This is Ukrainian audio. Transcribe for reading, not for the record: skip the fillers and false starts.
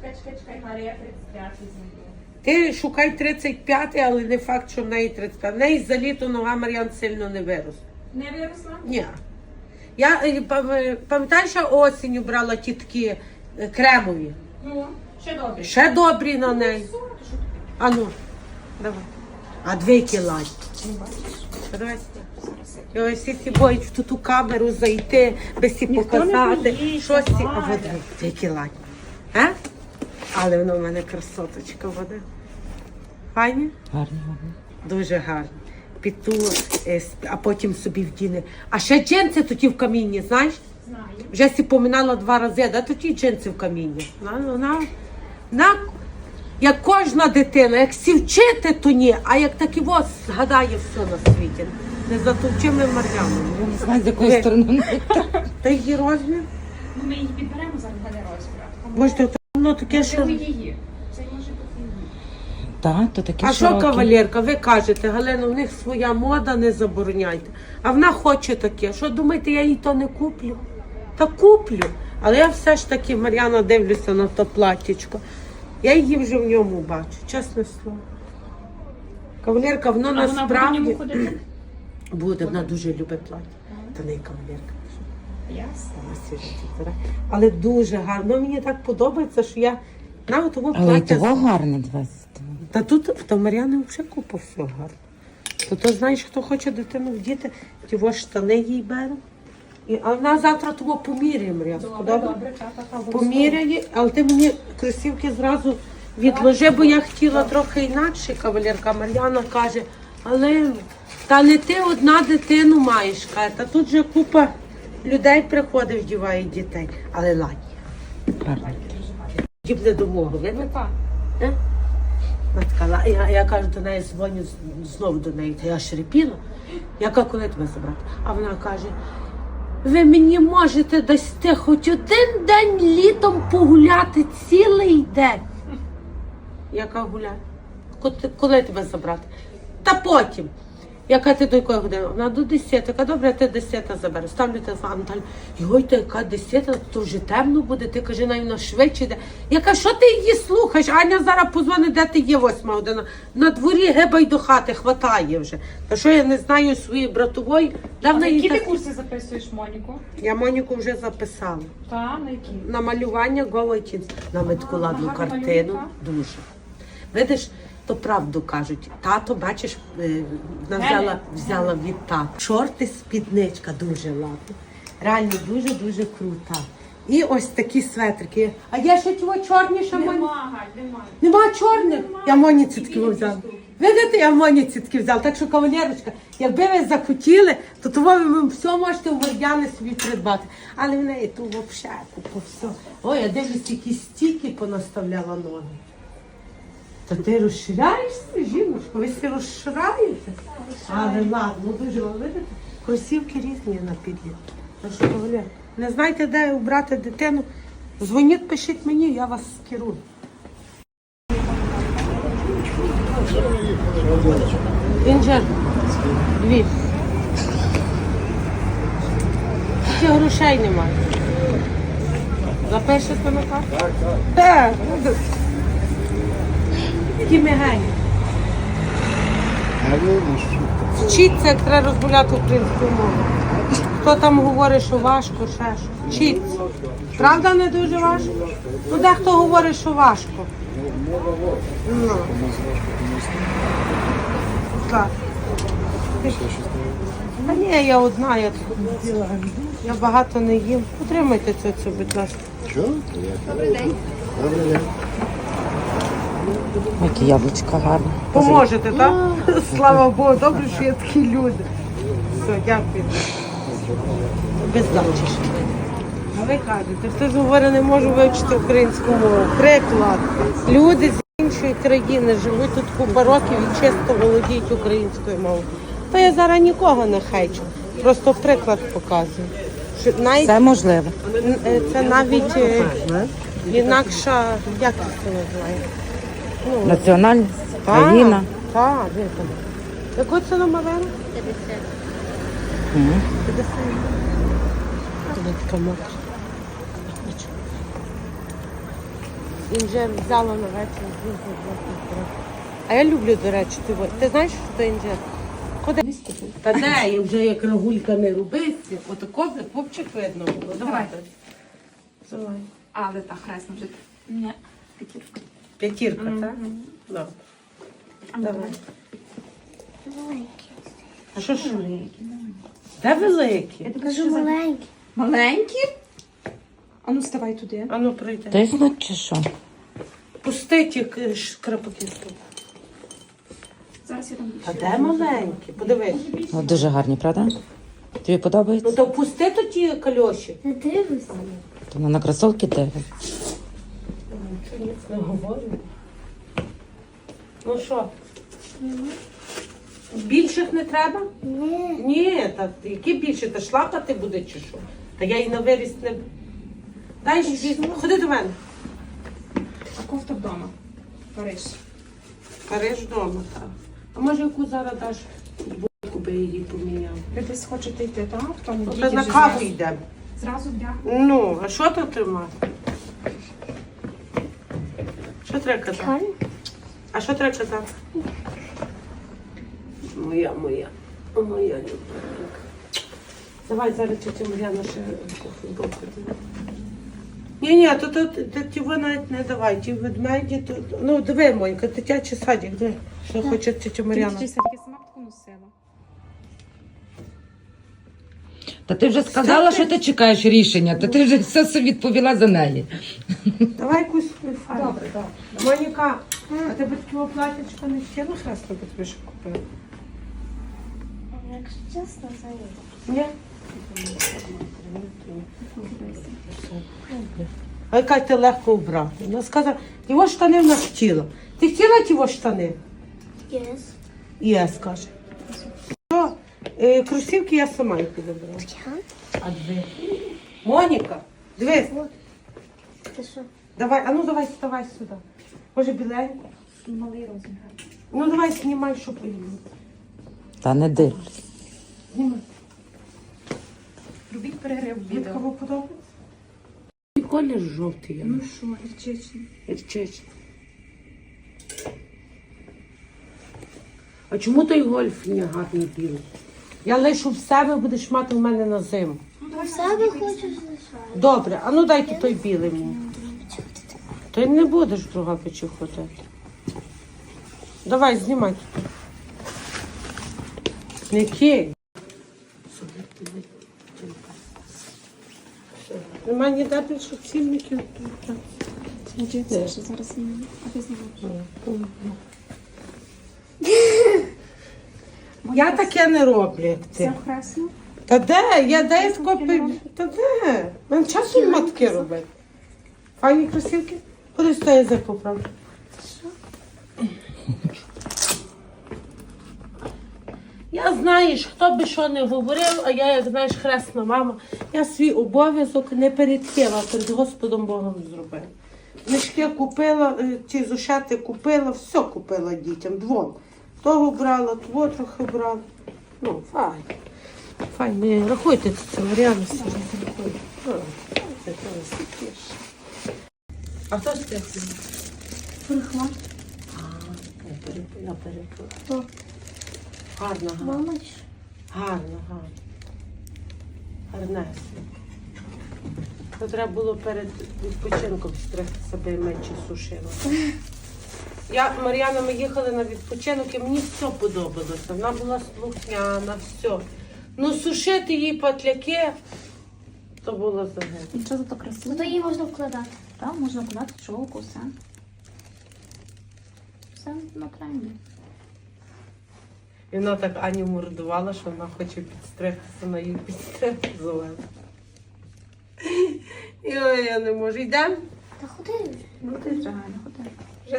Чекай, Марія 35 зайду. Ти шукай 35, але не факт, що в неї 35. В неї за літо нога Мар'ян сильно не виросла. Не виросла? Ні. Я пам'ятаєш, я осінню брала ті такі кремові. Ну, ще добре. Ще добрі на неї. А ну, давай. А 2 кіла. Давай. Ой, всі ці боють в ту камеру зайти, без всі показати. Щось ці. А от 2 кіла. Але воно в мене красоточка вода. Файні? Гарні. Дуже гарні. Піду, а потім собі вдіне. А ще джинси тоді в камінні, знаєш? Знаю. Вже сі поминала 2 рази, да тоді джинси в камінні. Вона, як кожна дитина, як сі вчити, то ні, а як такі ось згадає все на світі. Не затовчими Мар'яну. Я не знаю, з якої сторони. Та її розмір? Ну, ми її підберемо зараз для розміру. Боже, воно таке, що... Це її. Це може бути її. Так, то такі А що, широкі. кавалерка, ви кажете, Галина, в них своя мода, не забороняйте. А вона хоче таке. Що, думаєте, я їй то не куплю? Та куплю. Але я все ж таки, Мар'яна, дивлюся на то платтячко. Я її вже в ньому бачу, чесне слово. Кавалерка, воно А вона буде в насправді... ньому ходити? Буде, вона дуже любить плаття. Та не кавалерка. Ясно. Але дуже гарно. Мені так подобається, що я навіть того Але і плаття... того гарне 20. Та тут в Мар'яни взагалі купа все гарно. То знаєш, хто хоче дитину вдіти, ті штани їй бере. А вона завтра того поміряє, Мар'янко. Добре, так. Поміряє, але ти мені кросівки зразу відложи, бо я хотіла трохи інакше, кавалерка. Мар'яна каже, але та не ти одна дитину маєш, каже, та тут же купа людей приходить, вдіває дітей. Але ладні. Гарне. Дібне до мого, видно? Так. Я кажу до неї, дзвоню знову до неї, та я шрипіла. Я кажу, коли тебе забрати? А вона каже, ви мені можете дасти хоч один день літом погуляти цілий день. Я кажу, гуляй. Коли тебе забрати? Та потім. Яка ти до якої години? Вона до 10. Яка добре, ти 10 забереш. Ставлю телефон, Наталя, йой, та яка 10, то вже темно буде, ти кажи, навіть швидше йде. Я кажу, що ти її слухаєш? Аня зараз позвонить, де ти є 8 година. На дворі гибай до хати, хватає вже. Та що я не знаю своєї братової? А на які ти курси записуєш, Моніку? Я Моніку вже записала. Так, на які? На малювання голої кінці. На метку ладну гарно картину. малює, Дуже. Видиш, то правду кажуть. Тато, бачиш, вона взяла від тата. Шорти, спідничка дуже ладна. Реально дуже-дуже крута. І ось такі светрики. А є ще ті чорні, що Моні? Немає. Нема чорних? Я Моніці такі взяла. Видите, я Моніці такі взяла. Так що, кавалерочка, якби ви захотіли, то того ви все можете у Мар'яни собі придбати. Але в неї тут взагалі купа все. Ой, я дивлюсь, які стільки понаставляла ноги. Та ти розширяєшся, жіночко, ви всі розшираєте? Але ладно, дуже вам видите, кросівки різні на підліт. Так що, кавалер, не знаєте, де обрати дитину, дзвоніть, пишіть мені, я вас скерую. Інжир, Львів. Тільки грошей немає. Запишете на карту? Так. Такі мигені. Вчіться, як треба розмовляти українською мовою. Хто там говорить, що важко, ще що. Вчіться. Правда, не дуже важко? Ну, дехто говорить, що важко. Ну. Так. Та ні, я одна, я тут не їла. Я багато не їм. Потримайте це, будь ласка. Що? Добрий день. Добрий день. Які яблучка гарні. Поможете, так? Слава Богу, добре, що є такі люди. Все, дякую. Без дачі. А ви кажете, хтось говорить, не можу вивчити українську мову. Приклад. Люди з іншої країни живуть тут купа років і чисто володіють українською мовою. Та я зараз нікого не хейчу. Просто приклад показую. Що навіть, Це можливо. це навіть інакша, як це називає? Національність, країна. Так, де там? Яку це номер? 50. 50. Вона така мокра. Він вже взяла на вечір. А я люблю, до речі, ти знаєш, що це інжир? Куди? Та де, я вже як рагулька не робиться. Отако вже пупчик видно було. Давай. Давай. Але та хресно вже. Ні, п'ятірка. П'ятірка, так? Добре. Давай. А що ж? Де великі? Кажу маленькі. Маленькі? А ну ставай туди. А ну прийди. Тиснуть чи що? Пустить, як шкрапаки. Зараз я там А де маленькі? Подивись. О, дуже гарні, правда? Тобі подобається? Ну то пусти то ті кальоші. Не дивись. То вона на кросовки дивить. Нічого ніц не говорю. Ну що? Більших не треба? Ні. Ні, та які більше? Та шлапати буде чи що? Та я і на виріст не... Дай ж, ходи до мене. А кофта вдома. Париж. Париж вдома, так. А може яку зараз даш футболку би її поміняв? Ви десь хочете йти, так? В тому Ну, діді та на вже каву зразу- йдемо. Зразу вдягну. Ну, а що тут тримати? Що треба казати? Гарно? А що треба казати? Моя. Моя любов. Давай зараз тетя Мар'яна ще футболку. Ні, то ті ви навіть не давай, ті ведмеді, то... Ну, диви, Монька, дитячий садик, диви, що хоче тетя Мар'яна. Я сама б таку носила. Та ти вже сказала, що ти чекаєш рішення, та ти вже все відповіла за неї. Давай якусь фарбу. Добре. Моніка, а тебе такого платячка не хотіла хресно, бо тобі ще купила? Якщо чесно, це ні. Ні? А яка ти легко обрати? Вона сказала, його штани вона хотіла. Ти хотіла ті штани? Yes. Я скаже. Що? Кросівки я сама їх підобрала. А дві? Моніка, дивись. Ти що? Давай, а ну давай, вставай сюди. Може біленьку? Малий розмір. Ну давай знімай, що поїду. Та не дивлюсь. Знімай. Робіть перерив в відео. Кому подобається? І колір жовтий. Ну що, гірчичний. Гірчичний. А чому той гольф не гарний білий? Я лишу в себе, будеш мати в мене на зиму. В себе хочеш лишати? Добре, а ну дайте той білий мені. Ти не будеш друга печі ходити. Давай, знімай тут. Не кий. Нема ніде більше цільників. Це ще зараз знімаю. А ти знімаєш? Я таке не роблю, як Це ти. хресно. Та де? Я десь копив. Та де? Мен часу нема таке робити. Файні кросівки? Куди стой язик поправити? Я, знаєш, хто би що не говорив, а я, як знаєш, хресна мама, я свій обов'язок не перед ким, а перед Господом Богом зробила. Мішки купила, ті зошати купила, все купила дітям, двом. Того брала, того трохи брала. Ну, файн. Файн, не рахуйте це, Мар'яна. А хто ж це? Прихла. Я перепила. Хто? Гарно, гарно. Мама чи? Гарно, гарно. Гарнесно. То треба було перед відпочинком стригти себе менше сушила. Мар'яна, ми їхали на відпочинок і мені все подобалося. Вона була слухняна, все. Ну сушити їй патляки, то було загибло. Нічого зато красиво. То її можна вкладати. Так, можна кладати чолку, все. Все на тренді. І вона так Аню мордувала, що вона хоче підстригтися, на її підстригти зелено. Ой, я не можу. Йдемо? Та ходи. Ну ти вже Галя, ходи.